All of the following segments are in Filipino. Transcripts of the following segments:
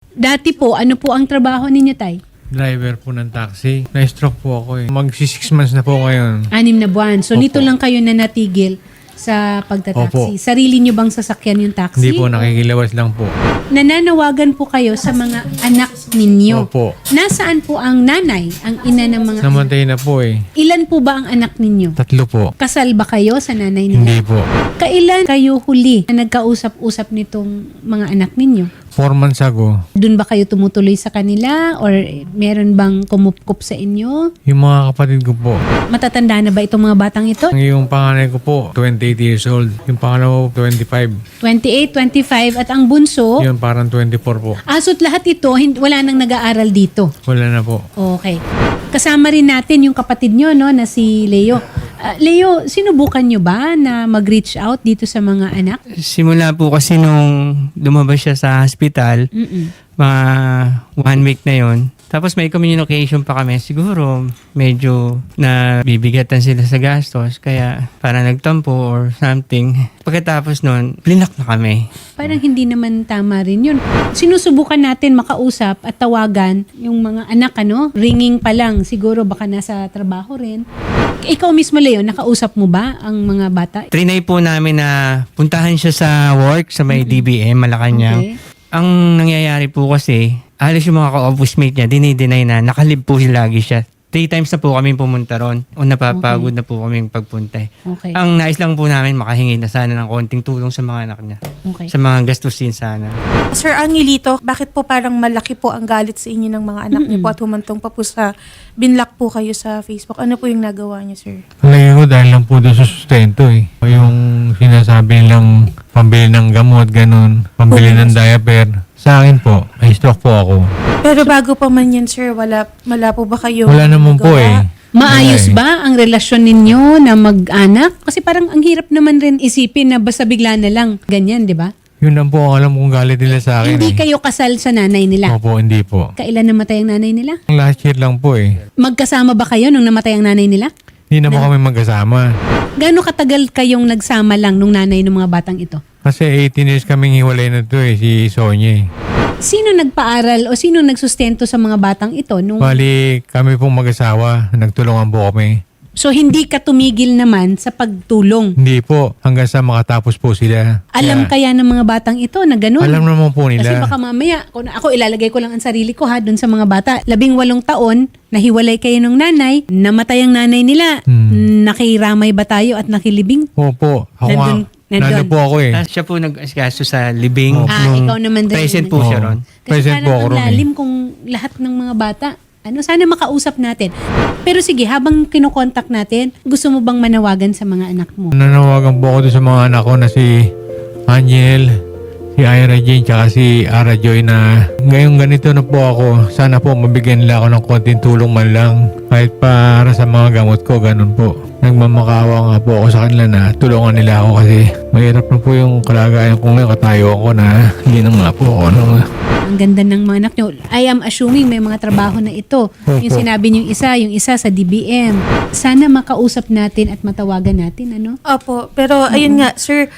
Dati po, ano po ang trabaho ninyo, Tay? Driver po ng taxi. Na-stroke po ako eh. Mag-6 months na po ngayon. 6 na buwan. So, Opo. nito lang kayo na natigil sa pagtataksi. Opo. Sarili nyo bang sasakyan yung taxi? Hindi po, nakikilawas lang po. Nananawagan po kayo sa mga anak ninyo. Opo. Nasaan po ang nanay, ang ina ng mga anak? Namatay na po eh. Ilan po ba ang anak ninyo? 3 po. Kasal ba kayo sa nanay nila? Hindi po. Kailan kayo huli na nagkausap-usap nitong mga anak ninyo? 4 months ago, Doon ba kayo tumutuloy sa kanila or meron bang kumupkup sa inyo? yung mga kapatid ko po. Matatanda na ba itong mga batang ito? Yung panganay ko po, 28 years old. Yung pangalawa po, 25. 28, 25 at ang bunso? Yun, parang 24 po. Aso't lahat ito, wala nang nag-aaral dito. Wala na po. Okay. Kasama rin natin yung kapatid nyo, no, na si Leo. Leo, sinubukan nyo ba na mag-reach out dito sa mga anak? Simula po kasi nung lumabas siya sa hospital, mga 1 week na yon. Tapos may communication pa kami. Siguro medyo nabibigatan sila sa gastos. Kaya para nagtampo or something. Pagkatapos nun, blinak na kami. Parang hindi naman tama rin yun. Sinusubukan natin makausap at tawagan yung mga anak, ano? Ringing pa lang. Siguro baka nasa trabaho rin. Ikaw mismo, Leo, nakausap mo ba ang mga bata? Trinay po namin na puntahan siya sa work sa may DBM, Malacanang. Okay. Ang nangyayari po kasi, alis yung mga ka-office mate niya, dinideny na, nakalib po lagi siya. 3 times na po kami pumunta ron. O napapagod na po kami pagpunta. Okay. Ang nais lang po namin makahingi na sana ng konting tulong sa mga anak niya. Okay. Sa mga gastusin sana. Sir Angelito, bakit po parang malaki po ang galit sa inyo ng mga anak niyo po at humantong pa po sa binlock po kayo sa Facebook? Ano po yung nagawa niyo, sir? Palagi ko dahil lang po doon sa sustento eh. Yung sinasabi nilang pambili ng gamot, ganun. Pambili ng diaper. Sa akin po, may stroke po ako. Pero bago pa man yan, sir, wala po ba kayo Wala naman po nagawa? eh. Maayos Wala eh. ba ang relasyon ninyo na mag-anak? Kasi parang ang hirap naman rin isipin na basta bigla na lang. Ganyan, di ba? Yun lang po ang alam kong galit nila sa akin Hindi eh. kayo kasal sa nanay nila. Opo, hindi po. Kailan namatay ang nanay nila? Last year lang po eh. Magkasama ba kayo nung namatay ang nanay nila? Hindi na po kami magkasama. Gaano katagal kayong nagsama lang nung nanay ng mga batang ito? Kasi 18 years kaming hiwalay na to eh, si Sonia eh. Sino nagpaaral o sino nagsustento sa mga batang ito? Bali, kami pong mag-asawa, nagtulungan po kami. So hindi ka tumigil naman sa pagtulong. Hindi po, hanggang sa makatapos po sila. Alam kaya ng mga batang ito na ganun? Alam naman po Kasi nila. baka mamaya, ako ilalagay ko lang ang sarili ko ha, dun sa mga bata. 18 taon, nahiwalay kayo ng nanay, namatay ang nanay nila. Nakiramay ba tayo at nakilibing? Opo, ako Nandun- nga. Nandun po ako eh. Tapos siya po nag-asikaso sa libing. Ikaw naman din. Present po siya Oo. ron. Kasi Present po parang ako ang ron eh. lalim kung lahat ng mga bata. Sana makausap natin. Pero sige, habang kinokontak natin, gusto mo bang manawagan sa mga anak mo? Nanawagan po ako doon sa mga anak ko na si Angel, si Ira Jane, tsaka si Ara Joy na ngayong ganito na po ako. Sana po mabigyan nila ako ng konting tulong man lang. Kahit para sa mga gamot ko, ganun po. Nagmamakaawa nga po ako sa kanila na tulungan nila ako kasi mahirap na po yung kalagayan ko ngayon. Katayo ako na hindi na nga po ako. Ang ganda ng mga anak nyo. I am assuming may mga trabaho na ito. Yung sinabi nyo yung isa sa DBM. Sana makausap natin at matawagan natin, ano? Opo, pero ayun nga, sir,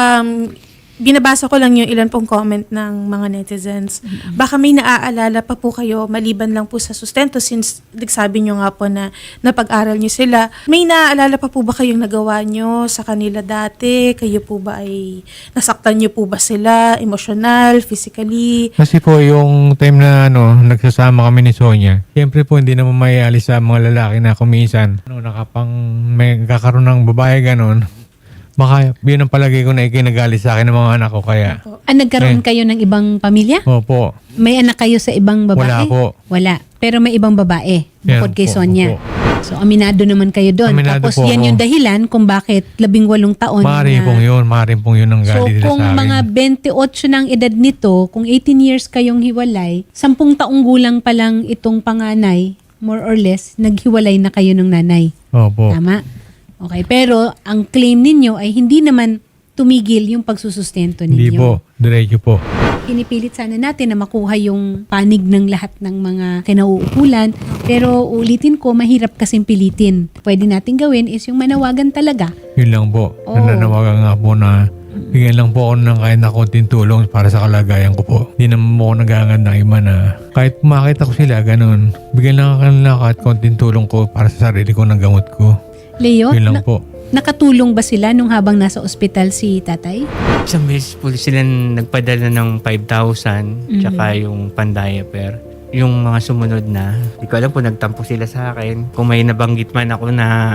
binabasa ko lang yung ilan pong comment ng mga netizens. Baka may naaalala pa po kayo, maliban lang po sa sustento, since nagsabi nyo nga po na napag-aral nyo sila. May naaalala pa po ba kayong nagawa nyo sa kanila dati? Kayo po ba ay nasaktan nyo po ba sila? Emotional, physically? Kasi po yung time na nagsasama kami ni Sonia, siyempre po hindi naman may alis sa mga lalaki na kuminsan. May kakaroon ng babae ganon. Baka yun ang palagay ko na ikinagalit sa akin ng mga anak ko kaya. Nagkaroon kayo ng ibang pamilya? Opo. May anak kayo sa ibang babae? Wala po. Wala. Pero may ibang babae, bukod Meron kay po, Sonia. opo. So, aminado naman kayo doon. Aminado Tapos, po yan ako. yung dahilan kung bakit 18 taon. Maaaring pong yun ang So, galit nila kung sa akin. mga 28 ng edad nito, kung 18 years kayong hiwalay, 10 taong gulang pa lang itong panganay, more or less, naghiwalay na kayo ng nanay. Opo. Tama? Okay, pero ang claim ninyo ay hindi naman tumigil yung pagsusustento ninyo. Hindi po. Diretso po. Pinipilit sana natin na makuha yung panig ng lahat ng mga kinauukulan. Pero ulitin ko, mahirap kasing pilitin. Pwede natin gawin is yung manawagan talaga. Yun lang po. Oo. Nananawagan nga po na Bigyan lang po ako ng kahit na konting tulong para sa kalagayan ko po. Hindi naman po ako nagangad ng iba na kahit makita ko sila, ganun. Bigyan lang ako ng kahit konting tulong ko para sa sarili ko ng gamot ko. Leo, Yun lang po. nakatulong ba sila nung habang nasa ospital si tatay? Isang beses po sila nagpadala ng 5,000 tsaka yung pandiaper. Yung mga sumunod na, hindi ko alam po, nagtampo sila sa akin. Kung may nabanggit man ako na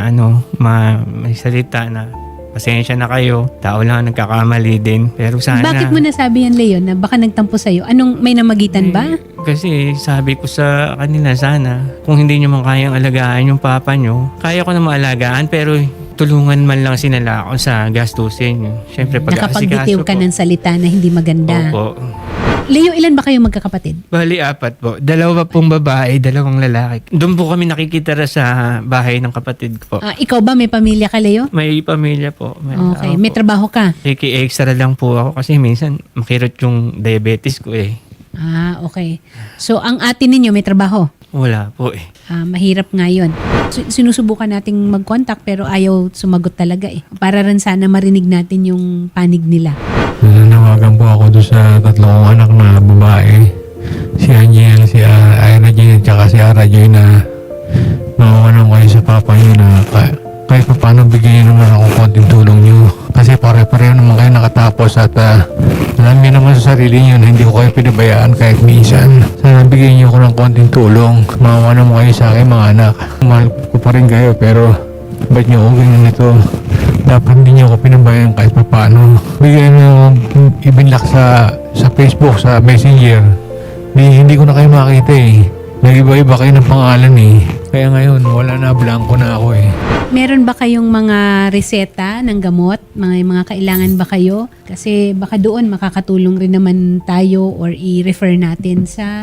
may salita na pasensya na kayo, tao lang ang nagkakamali din. Pero sana... Bakit mo nasabi yan, Leo, na baka nagtampo sa'yo? Anong, may namagitan ba? Kasi sabi ko sa kanila, sana kung hindi nyo man kayang alagaan yung papa nyo, kaya ko na maalagaan pero tulungan man lang sinala ako sa gastusin. Siyempre Nakapagbitiw ka ng salita na hindi maganda. Opo. Leo, ilan ba kayo magkakapatid? Bali, 4 po. 2 pong babae, 2 lalaki. Doon po kami nakikitira sa bahay ng kapatid ko po. Ikaw ba may pamilya ka, Leo? May pamilya po. Okay, may trabaho ka? Extra lang po ako kasi minsan makirot yung diabetes ko eh. Okay. So, ang atin ninyo may trabaho? Wala po eh. Mahirap nga yun. Sinusubukan nating mag-contact pero ayaw sumagot talaga eh. Para rin sana marinig natin yung panig nila. Nanawagan po ako doon sa 3 kong anak na babae. Si Angel, si Ira Jane, at si Ara Joy na mawawalan kayo sa papa niyo na kahit pa paano bigyan niyo naman ako konting tulong niyo. Kasi pare-pareho naman kayo nakatapos at alam niyo naman sa sarili niyo na hindi ko kayo pinabayaan kahit minsan. Sana bigyan niyo ako ng konting tulong. Mawawalan mo kayo sa akin mga anak. Mahal ko pa rin kayo pero ba't niyo ako ganyan ito? Dapat hindi niyo ako pinabayaan kahit pa paano. Bigyan niyo ibinlock sa Facebook, sa Messenger. Hindi ko na kayo makita eh. Nag-iba-iba kayo ng pangalan eh. Kaya ngayon, wala na, blanco na ako eh. Meron ba kayong mga reseta ng gamot? Mga kailangan ba kayo? Kasi baka doon makakatulong rin naman tayo or i-refer natin sa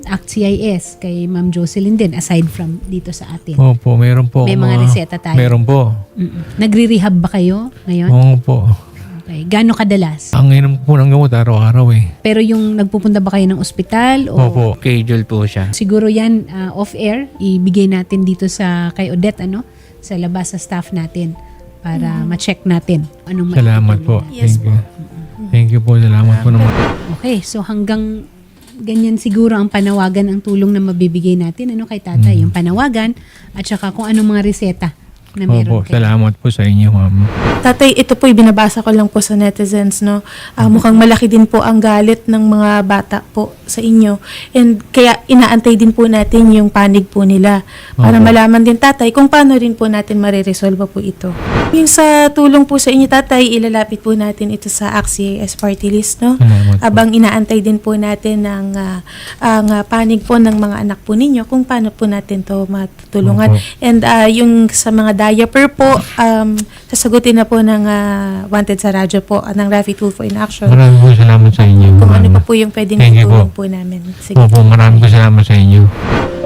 ACT-CIS kay Ma'am Jocelyn din aside from dito sa atin. Opo, meron po. May mga reseta tayo. Meron po. Nagre-rehab ba kayo ngayon? Oo po. Okay. Gano'ng kadalas? Ang inom po ng gamot araw-araw eh. Pero yung nagpupunta ba kayo ng ospital? O Opo. Schedule po siya. siguro yan off-air, ibigay natin dito sa kay Odette, sa labas sa staff natin para ma-check natin. Anong Salamat po. Yes Thank you. Thank you po. Salamat po naman. Okay, so hanggang ganyan siguro ang panawagan, ang tulong na mabibigay natin kay tatay, yung panawagan at saka kung anong mga reseta na meron Opo, kayo. salamat po sa inyo, ma'am. Tatay, ito po binabasa ko lang po sa netizens, no? Mukhang malaki din po ang galit ng mga bata po sa inyo. And kaya inaantay din po natin yung panig po nila para Opo. malaman din, tatay, kung paano rin po natin mariresolve po ito. Yung sa tulong po sa inyo, tatay, ilalapit po natin ito sa ACT-CIS party list, no? Salamat po. Abang inaantay din po natin ang panig po ng mga anak po ninyo kung paano po natin to matutulungan. Opo. And yung sa mga diaper po, sasagutin na po ng Wanted sa radyo po, ng Rafi Tulfo in Action. Maraming po salamat sa inyo. Kung ano ma'am. pa po yung pwedeng Thank you itulong po. po namin. Sige. Opo, maraming po salamat sa inyo.